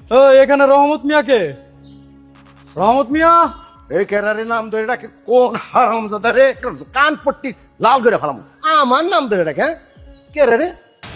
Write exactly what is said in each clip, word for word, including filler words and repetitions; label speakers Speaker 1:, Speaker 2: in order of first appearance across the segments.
Speaker 1: ওই এখানে রহমত মিয়াকে, রহমত মিয়া।
Speaker 2: এই কেরারে নাম ধরে ডাকে কোন হারামজাদা রে, কান পট্টি লাল করে ফেলাম। আমার নাম ধরে ডাকে, হ্যাঁ কেরারে?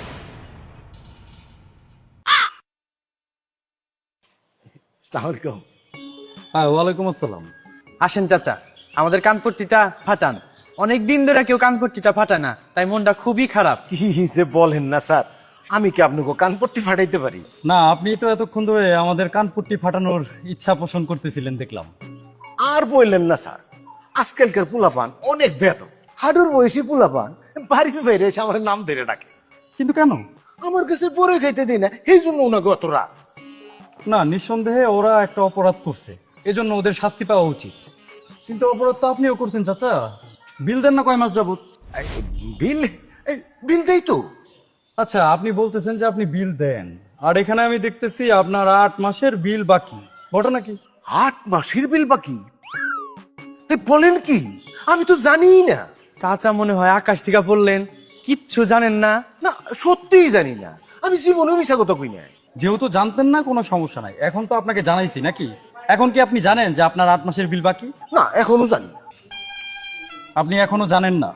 Speaker 2: আসসালামু
Speaker 1: হ্যাঁ, ওয়ালাইকুম আসসালাম।
Speaker 3: আসেন চাচা, আমাদের কানপট্টিটা ফাটান। অনেক দিন ধরে কেউ কানপট্টিটা ফাটায় না, তাই মনটা খুবই খারাপ।
Speaker 2: কি যে বলেন না স্যার, আমি কি আপনাকে কান পট্টি ফাটাইতে পারি?
Speaker 1: না, আপনি তো এতক্ষণ ধরে আমাদের কানপট্টি ফাটানোর ইচ্ছা পোষণ করতেছিলেন দেখলাম।
Speaker 2: আর বললেন না স্যার, আজকালকার পোলাপান অনেক বেত, হাডুর বয়সী পোলাপান বাড়ির বাইরে এসে আমার নাম ধরে ডাকে।
Speaker 1: কিন্তু কেন?
Speaker 2: আমার কাছে পরে খাইতে দিই না, এই জন্য ওনাকে অত রাগ।
Speaker 1: না, নিঃসন্দেহে ওরা একটা অপরাধ করছে, এজন্য ওদের শাস্তি পাওয়া উচিত। কিন্তু অপরাধ তো আপনিও করছেন চাচা। বিল দেন না কয় মাস যাবত?
Speaker 2: এই, বিল এই, বিল দেই তো।
Speaker 1: আচ্ছা, আপনি বলতেছেন যে আপনি বিল দেন, আর এখানে আমি দেখতেছি আপনার আট মাসের বিল বাকি। ঘটনা কি?
Speaker 2: আট মাসের বিল বাকি? এই বলেন কি, আমি তো জানিই না।
Speaker 3: চাচা মনে হয় আকাশ থেকে পড়লেন, কিচ্ছু জানেন না।
Speaker 2: না সত্যিই জানি না, আমি জীবনেও মিশা কথা কই না।
Speaker 1: যেহেতু জানতেন না, কোনো সমস্যা নাই। এখন তো আপনাকে জানাইছি নাকি? এখন কি আপনি জানেন যে আপনার আট মাসের বিল বাকি?
Speaker 2: না এখনো জানি না।
Speaker 1: আপনি এখনো জানেন না?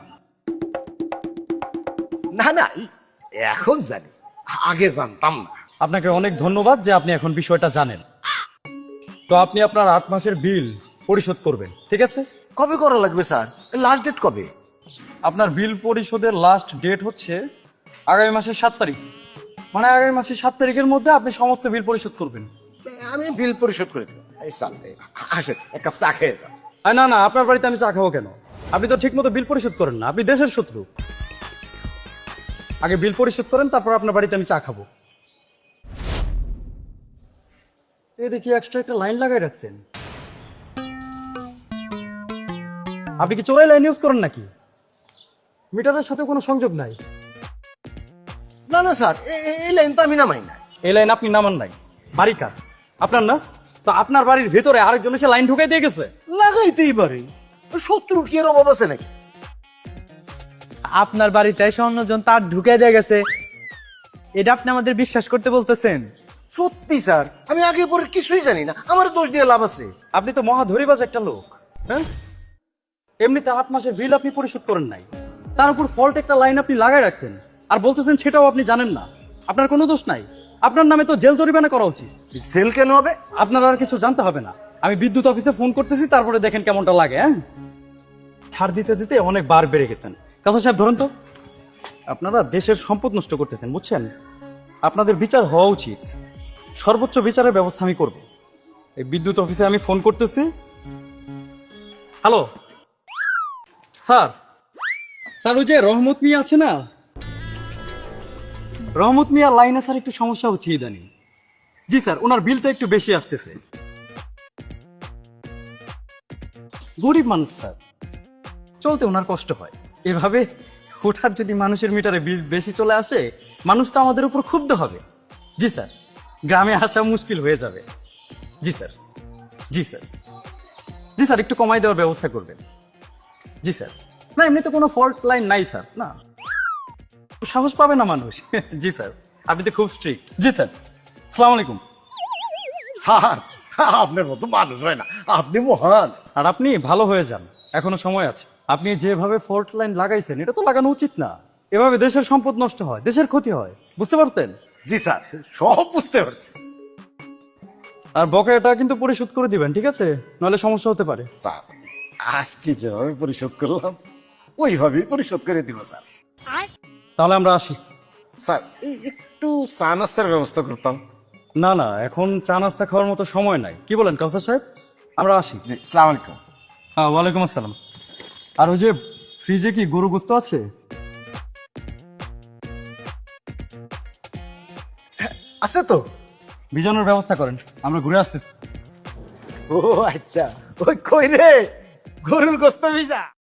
Speaker 2: না না এই এখন জানি, আগে জানতাম না।
Speaker 1: আপনাকে অনেক ধন্যবাদ যে আপনি এখন বিষয়টা জানেন। তো আপনি আপনার আট মাসের বিল পরিশোধ করবেন, ঠিক আছে?
Speaker 2: কবে করা লাগবে স্যার? লাস্ট ডেট কবে?
Speaker 1: আপনার বিল পরিশোধের লাস্ট ডেট হচ্ছে আগামী মাসের সাত তারিখ। মানে আগামী মাসের সাত তারিখের মধ্যে আপনি সমস্ত বিল পরিশোধ করবেন।
Speaker 2: আমি বিল পরিশোধ করে দেবো। এই স্যার এই, আসেন এক কাপ চা খেয়ে যান।
Speaker 1: আর না না, আপনার বাড়িতে আমি চা খাবো কেন? আপনি তো ঠিক মতো বিল পরিশোধ করেন না, আপনি দেশের শত্রু। আগে বিল পরিশোধ করেন, তারপর আপনার বাড়িতে আমি চা খাবো। এই দেখি এক্সট্রা একটা লাইন লাগাই রাখছেন। আপনি কি চোরাই লাইন ইউজ করেন নাকি? মিটারের সাথে কোনো সংযোগ নাই।
Speaker 2: না না স্যার, এ- এ- এই লাইন তো আমি নামাই না।
Speaker 1: এই লাইন আপনি নামান নাই। বাড়ি কার? আপনার না? তো আপনার বাড়ির ভেতরে আরেকজন এসে লাইন ঢুকাই দিয়ে গেছে।
Speaker 2: লাগাইতেই পারে, শত্রুর কি এর অভাব আছে নাকি?
Speaker 3: আপনার বাড়িতে এসে অন্যজন তার ঢুকে দিয়ে গেছে, এটা আপনি আমাদের বিশ্বাস করতে বলতেছেন?
Speaker 2: সত্যি স্যার, আমি আগে পরে কিছুই জানি না, আমার দোষ দিয়ে লাভ আছে?
Speaker 1: আপনি তো মহা ধরিবাজ একটা লোক। হ্যাঁ, এমনিতে আট মাসের বিল আপনি পরিশোধ করেন নাই, তার উপর ফল্ট একটা লাইন আপনি লাগাই রাখছেন, আর বলতেছেন সেটাও আপনি জানেন না। আপনার কোনো দোষ নাই, আপনার নামে তো জেল জরিমানা করা উচিত।
Speaker 2: সেল কেন হবে?
Speaker 1: আপনার আর কিছু জানতে হবে না। আমি বিদ্যুৎ অফিসে ফোন করতেছি, তারপরে দেখেন কেমনটা লাগে। হ্যাঁ, ছাড় দিতে দিতে অনেক বার বেড়ে গেছেন। কথা সাহেব ধরেন তো, আপনারা দেশের সম্পদ নষ্ট করতেছেন, বুঝছেন? আপনাদের বিচার হওয়া উচিত, সর্বোচ্চ বিচারের ব্যবস্থা আমি করব। এই বিদ্যুৎ অফিসে আমি ফোন করতেছি। হ্যালো স্যার, স্যার ওই যে রহমত মিয়া আছে না, রহমত মিয়া লাইনে স্যার একটু সমস্যা হচ্ছে ইদানিং। জি স্যার, ওনার বিলটা একটু বেশি আসতেছে। গরিব মানুষ স্যার, চলতে ওনার কষ্ট হয়। এভাবে হঠাৎ যদি মানুষের মিটারে বিল বেশি চলে আসে, মানুষ তো আমাদের উপর ক্ষুব্ধ হবে। জি স্যার, গ্রামে আসা মুশকিল হয়ে যাবে। জি স্যার, জি স্যার, জি স্যার, একটু কমাই দেওয়ার ব্যবস্থা করবেন। জি স্যার। না এমনি তো কোনো ফল্ট লাইন নাই স্যার, না সাহস পাবে না মানুষ। জি স্যার, আপনি তো খুব স্ট্রিক্ট। জি স্যার, আসসালামু আলাইকুম।
Speaker 2: স্যার আপনার মতো মানুষ হয় না, আপনি মহান।
Speaker 1: আর আপনি ভালো হয়ে যান, এখনো সময় আছে। আপনি যেভাবে ফল্ট লাইন লাগাইছেন, এটা তো লাগানো উচিত না। এভাবে দেশের সম্পদ নষ্ট হয়, দেশের ক্ষতি হয়, বুঝতে পারতেন?
Speaker 2: জি স্যার, সব বুঝতে পারছি।
Speaker 1: আর বকেয়াটা কিন্তু পরিশোধ করে দিবেন, ঠিক আছে? নাহলে সমস্যা হতে পারে।
Speaker 2: স্যার আজকে যেভাবে পরিশোধ করলাম ওইভাবেই পরিশোধ করে দিব স্যার।
Speaker 1: তাহলে আমরা আসি।
Speaker 2: স্যার এই একটু চা নাস্তার ব্যবস্থা করতাম।
Speaker 1: না না, এখন চা নাস্তা খাওয়ার মতো সময় নাই। কি বলেন কাউসার সাহেব? আমরা আসি।
Speaker 2: জি সালাম আলাইকুম।
Speaker 1: হ্যাঁ, ওয়ালাইকুম আসসালাম। আর ওই যে ফ্রিজে কি গরু গোস্ত আছে?
Speaker 2: আছে তো।
Speaker 1: ভিজানোর ব্যবস্থা করেন, আমরা ঘুরে আসতে।
Speaker 2: ও আচ্ছা, ওই কই রে গরুর গোস্ত ভিজা।